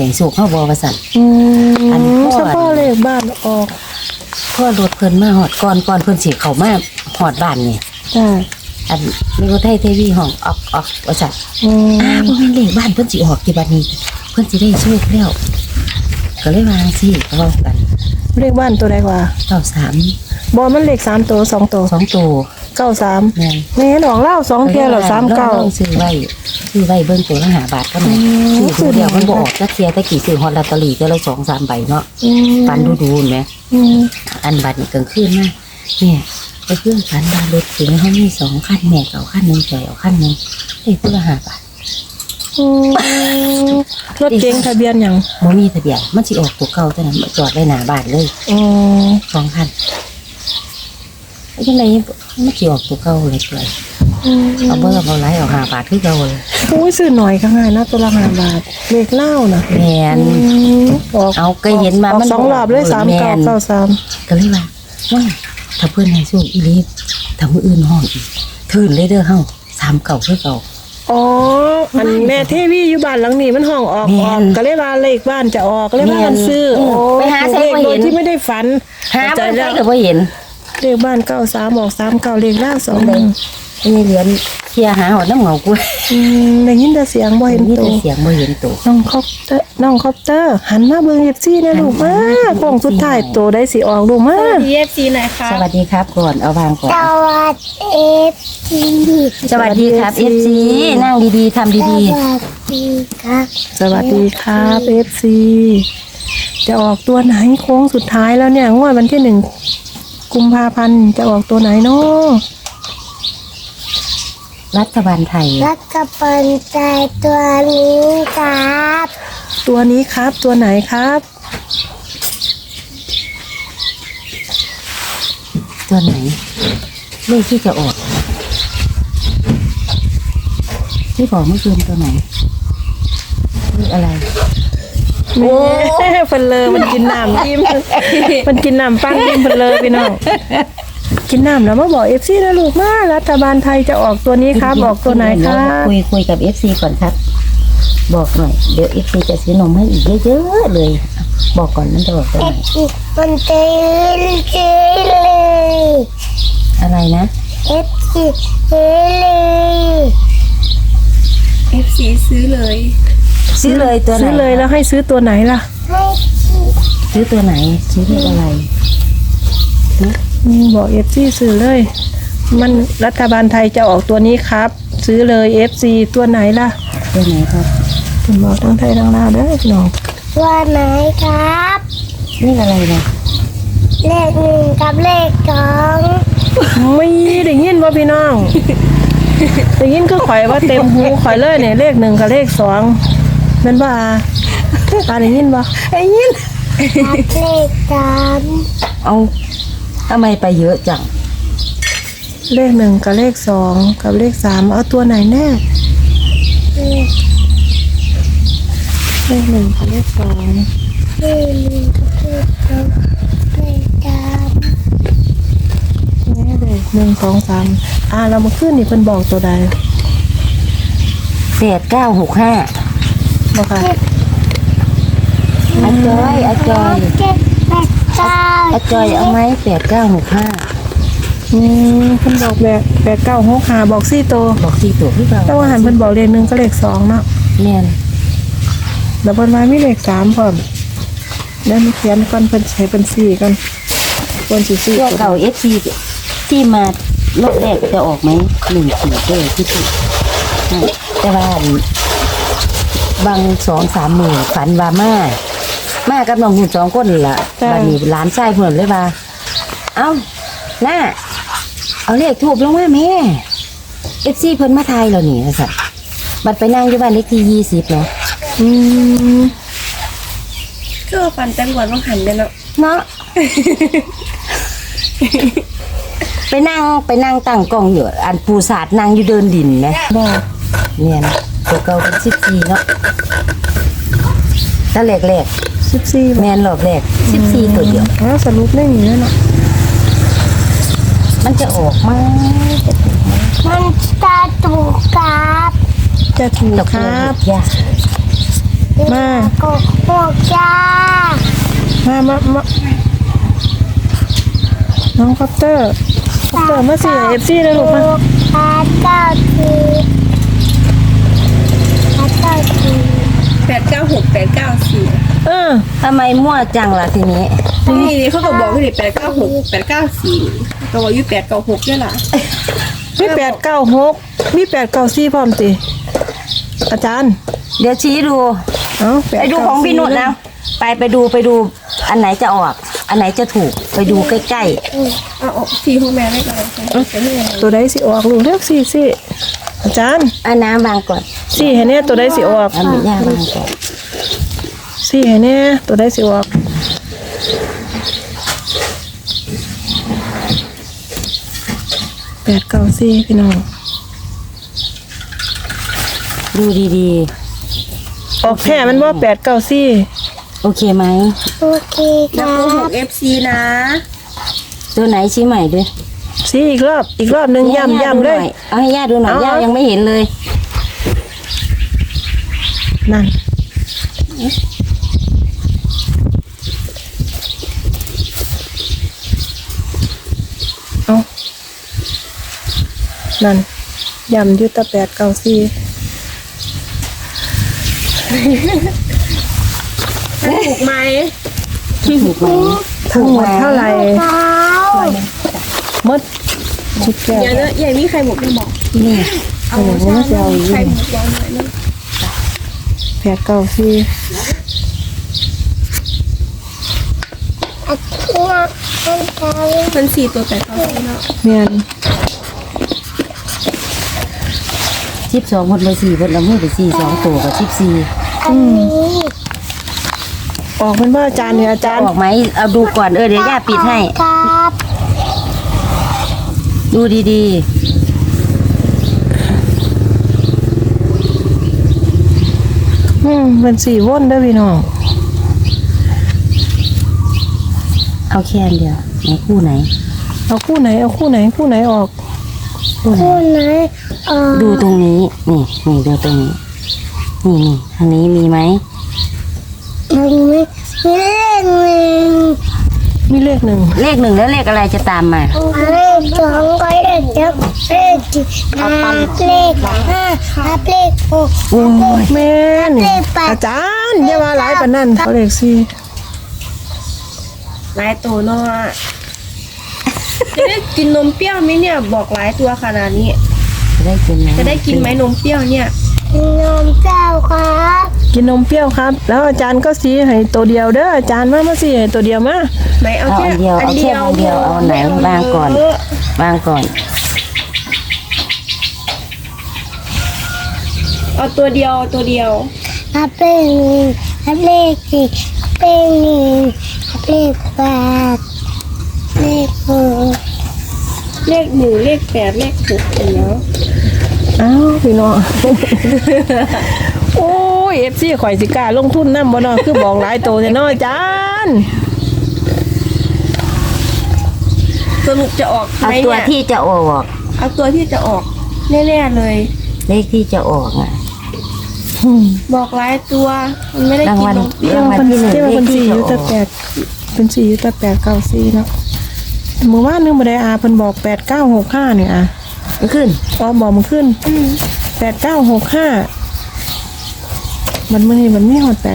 ให้สุกเฮาบ่ว่าซั่นอันพ่อเลขบ้านออกพ่อรถเพิ่นมาฮอดก่อนเพิ่นสิเข้ามาฮอดบ้านนี่จ้าอันมีคนไทยเทวีห้องออกว่าซั่นบ่แม่นเลขบ้านเพิ่นสิออกที่บัดนี้เพิ่นสิได้โชคแล้วก็เลยวางสิเว้ากันเลขบ้านตัวใดกว่า 93 บ่มันเลข3ตัว2ตัว 2ตัว 93 แม่นดอกเล่า2เที่ยแล้ว39 ซื้อไว้เบิ่งตัวละ5 บาทก็แม่ซื้อเดียวมันบ่ออกจักเที่ยแต่กี่ซื้อฮอดลอตเตอรี่แต่ละ 2-3 ใบเนาะปันดูๆแม่อันบัดนี้กลางคืนมาเนี่ยไปเครื่องฝันว่ารถเก๋งเฮามี2คันแม่เอาคันนึงจ่อยเอาคันนึงได้ตัวละ5 บาทรถเก๋งทะเบียนหยังบ่มีทะเบียนมันสิออกตัวเก่าแต่นั้นจอดไว้หน้าบ้านเลย2 คันจังได๋มันสิออกตัวเก่าเลยเกิดเอาเบอร์เอาหลายเอา5 บาทคือเก่าเลยโอ้ยซื้อหน่อยก็ง่ายนะตัวละ5 บาทเลขเล่าน่ะแม่นเอาก็เห็นมามัน 2รอบเลย3993 ก็เลยว่าถ้าเพิ่นให้สู้อีหลีถ้ามื้ออื่นห้องอีกทื่นเลยเด้อเฮา39คือเก่าอ๋ออันแม่เทวีอยู่บ้านหลังนี้มันห้องออกก็เลยว่าเลขบ้านจะออกก็เลยว่ามันซื้อไปหาใส่บ่เห็นที่ไม่ได้ฝันหาบ่ได้ก็บ่เห็นเลขบ้าน93ออก39เลขล่าง2เลยนี่เหรียญเคลียร์หาหอดน้ำเหงากูได้ยินแต่เสียงบ่เห็นตัวเสียงบ่เห็นตัวน้องคอปเตอร์หันมาเบิ่ง FC นะลูกมาโค้งสุดท้ายตัวได้สิออกลูกมาสวัสดี FC หน่อยค่ะสวัสดีครับก่อนเอาวางก่อนสวัสดี FC สวัสดีครับ FC นั่งดีๆทำดีๆสวัสดีครับ FC จะออกตัวไหนโค้งสุดท้ายแล้วเนี่ยงวดวันที่1 กุมภาพันธ์จะออกตัวไหนเนาะรัฐบาลไทยรัฐบาลไทยตัวนี้ครับตัวนี้ครับตัวไหนครับตัวไหนเลขที่จะออกที่บอกเมื่อคืนตัวไหนเลขอะไรโอ้เพิ่นเลยมันกินน้ำอิ่มมันกินน้ำปั้งอิ่มเพิ่นเลยพี่น้องกินน้ำแล้วมาบอก FC นะลูกมารัฐบาลไทยจะออกตัวนี้ครับออกตัวไหนครับคุยกับ FC ก่อนครับบอกหน่อยเดี๋ยว FC จะซื้อนมให้อีกเยอะๆเลยบอกก่อนมันจะบอกตัวไหนมันเต้นเลยอะไรนะ FC ซื้อเลยซื้อเลยตัวไหนซื้อเลยแล้วให้ซื้อตัวไหนล่ะซื้อตัวไหนซื้อเลขอะไรบอก FC ซื้อเลยมันรัฐบาลไทยจะออกตัวนี้ครับซื้อเลย FC ตัวไหนล่ะตัวไหนครับคุณบอกทั้งไทยทั้งลาวเด้อพี่น้องตัวไหนครับเลขอะไรนะเลข1กับเลข2 ไม่ได้ยินว่าพี่น้องได้ยินก็ข่อยว่าเต็มหูข่อยเลยเนี่ยเลข1กับเลข2แม่นบ่ได้ยินบ่ได้ยินเลข3 เอาทำไมไปเยอะจังเลข1กับเลข2กับเลข3เอาตัวไหนแน่เลข1กับเลข2 เลข1กับเลข2เลข3 นี่เลย1 2 3เรามาขึ้นนี่เพิ่นบอกตัวใด 8965บ่ค่ะอาจอยเอาไหม8965 เพิ่นบอก8965บอก4ตัวพี่บ่าวแต่ว่าหันเพิ่นบอกเลข1กับเลข2เนาะแม่นแล้วเพิ่นมามีเลข3พร้อมแล้วมีเขียนก่อนเพิ่นใช้เป็น4ก่อนควรสิ4 ตัวเก่า FC ที่มารอบแรกจะออกไหม14ที่แต่ว่าบาง 2-3 มื้อฝันว่ามากับน้องหุ่น2คนล่ะบัดนี้หลานชายเพิ่นเลยว่าเอ้าน้าเอาเลขทูบลงมาแม่ FC เพิ่นมาทายแล้วนี่ว่าซั่นบัดไปนั่งอยู่บ้านเลขที่20เนาะก็ฝันจังหวัดว่าหันเนาะไปนั่งตั้งกล้องอยู่อันปูศาสตร์นั่งอยู่เดินดินแหมบ่เนี่ยนะตัวเก่าเป็น14เนาะถ้าแรก14แม่นรอบแรก14ตัวเดียวสรุปได้นี่แล้วเนาะมันจะออกมามันจะถูกครับจะถูกครับมาก็จ้ามาน้องคอปเตอร์มาสิเอฟซีนะลูกมาพาเก้าทีพาเก้าที 896 894 เออทำไมมั่วจังล่ะทีนี้นี่เขาก็บอกว่านี่896 894ก็ว่าอยู่896ด้วยล่ะมี896มี894พร้อมติอาจารย์เดี๋ยวชี้ดูเอ้าไปดูของพี่นุชนะไปดูอันไหนจะออก อันไหนจะถูกไปดูใกล้เอาออกทีของแม่ได้ก่อนจะให้ยังไงตัวใดสิออกลูกเลือกสิอาจารย์ๆเอาน้ำวางก่อนสิให้แน่ตัวใดสิออกเอาหมูย่างวางก่อนสิให้แน่ตัวใดสิออก894พี่น้องดูดีออกแค่มันว่า894 ๆโอเคไหมโอเคคนับรับ 6 FC นะตัวไหนชี้ใหม่ด้วยสิอีกรอบหนึงย่ำเลยเอาให้ย่าดูหน่อยเอาย่ายังไม่เห็นเลยนั่นเอานั่นย่ำอยู่แตะ894 ถูกไหมถูกไหมทั้งหมดเท่าไหร่เท้าหมดชุดแก้วอย่าเนอะอย่ามีใครหมกไม่บอกนี่เอาใช่ใครหมกย้อนหน่อยนะ 894 อัดเชือกเป็นเท้ามัน4ตัว894เนาะเมียน 12คนเลย4คนละมือไป2ตัวกับ14 อันนี้ออกเป็นว่าอาจารย์เนี่ยอาจารย์ออกไหมเอาดูก่อนเดี๋ยวย่าปิดให้ครับดูดีเป็น4วนเด้อพี่น้องๆเอาแค่อันเดียวไหนคู่ไหนเอาคู่ไหนออกคู่ไหนคู่ไหนดูตรงนี้นี่ดูตรงนี้นี่ทางนี้มีไหมมันมีเลขหนึ่งมีเลข 1 เลข 1แล้วเลขอะไรจะตามมาเลขสองก็เลขเจ็ดเลขสี่เลขห้าเลขหกโอ้ยแม่นเลขแปดอาจารย์อย่ามาหลายปานนั้นเขาเลข4 หลายตัวเนาะจะได้กินนมเปรี้ยวไหมเนี่ยบอกหลายตัวขนาดนี้จะได้กินไหมจะได้กินไหมนมเปรี้ยวเนี่ยนมเจ้าครับกินนมเปรี้ยวครับ แล้วอาจารย์ก็สีให้ตัวเดียวเด้ออาจารย์มาสีให้ตัวเดียวมาไหนเอาเอาแค่อันเดียวเอาแค่อันเดียวเอาไหนวางก่อนวางก่อนเอาตัวเดียวตัวเดียวเลขหนึ่งเลขสี่เลขหนึ่งเลขแปดเลขหกเลข1เลข8เลข6อย่างเงี้ยอ้าวพี่น้อง โอ้ย FC ข่อยสิกล้าลงทุนนำบ่เนาะคือบอกหลายตัวแท้เนาะอาจารย์สรุปจะออกไหเอามตัวเนี่ยที่จะออกเอาตัวที่จะออกแน่ๆเลยเลขที่จะออกอ่ะบอกหลายตัวมันไม่ได้รางกินวัลนมเปรี้ยวรางวัลที่หนึ่งที่เลว่าขเป็นที่ 4 จะอยู่อแต่อก 8เป็น4อยู่แต่894เนาะมื้อวานนึงบ่ได้อาเพิ่นบอก8965นี่อ่ะขึ้นอ๋อบอกมันขึ้น8965มันมื้อนี้มันมีฮอด894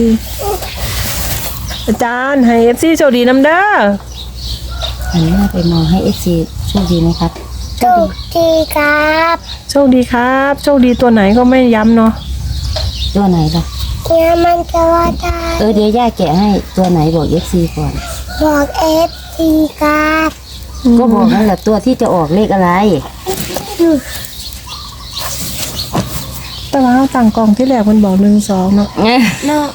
อาจารย์ให้ FC โชคดีนำเด้อหันหน้าไปมองให้เอฟซีโชคดีไหมครับถูกทีครับโชคดีครับโชคดีตัวไหนก็ไม่ย้ำเนาะตัวไหนล่ะเนี่ยมันจะว่าได้เดี๋ยวย่าแกะให้ตัวไหนบอกเอฟซีก่อนบอกเอฟทีครับก็บอกนั่นแหละตัวที่จะออกเลขอะไรแต่ว่าต่างกล่องที่แรกมันบอก12เนาะเนาะ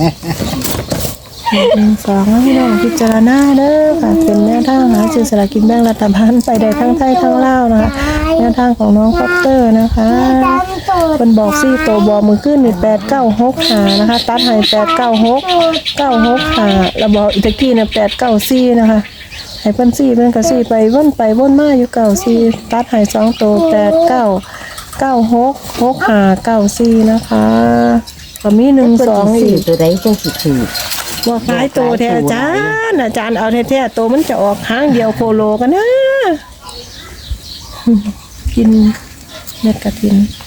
12แล้วพี่น้องพิจารณาเด้อค่ะเป็นแนวทางหาซื้อสลากกินแบ่งรัฐบาลไปได้ทั้งไทยทั้งลาวนะคะแนวทางของน้องคอปเตอร์นะคะเป็นบอก4ตัวบอกมือขึ้นนี่8965นะคะตัดให้896965แล้วบอกอีกตะกี้เนี่ย894นะคะให้เพิ่น4เพิ่นก็4ไปวนมาอยู่94ตัดให้2ตัว89966594นะคะก็มี1 2 ซื้อีอก ตัวใดจังสิถือว่าขายโตแท้อาจารย์เอาแท้ๆโตมันจะออกข้างเดียวโคโลกันนะกินเม็ดกระถิน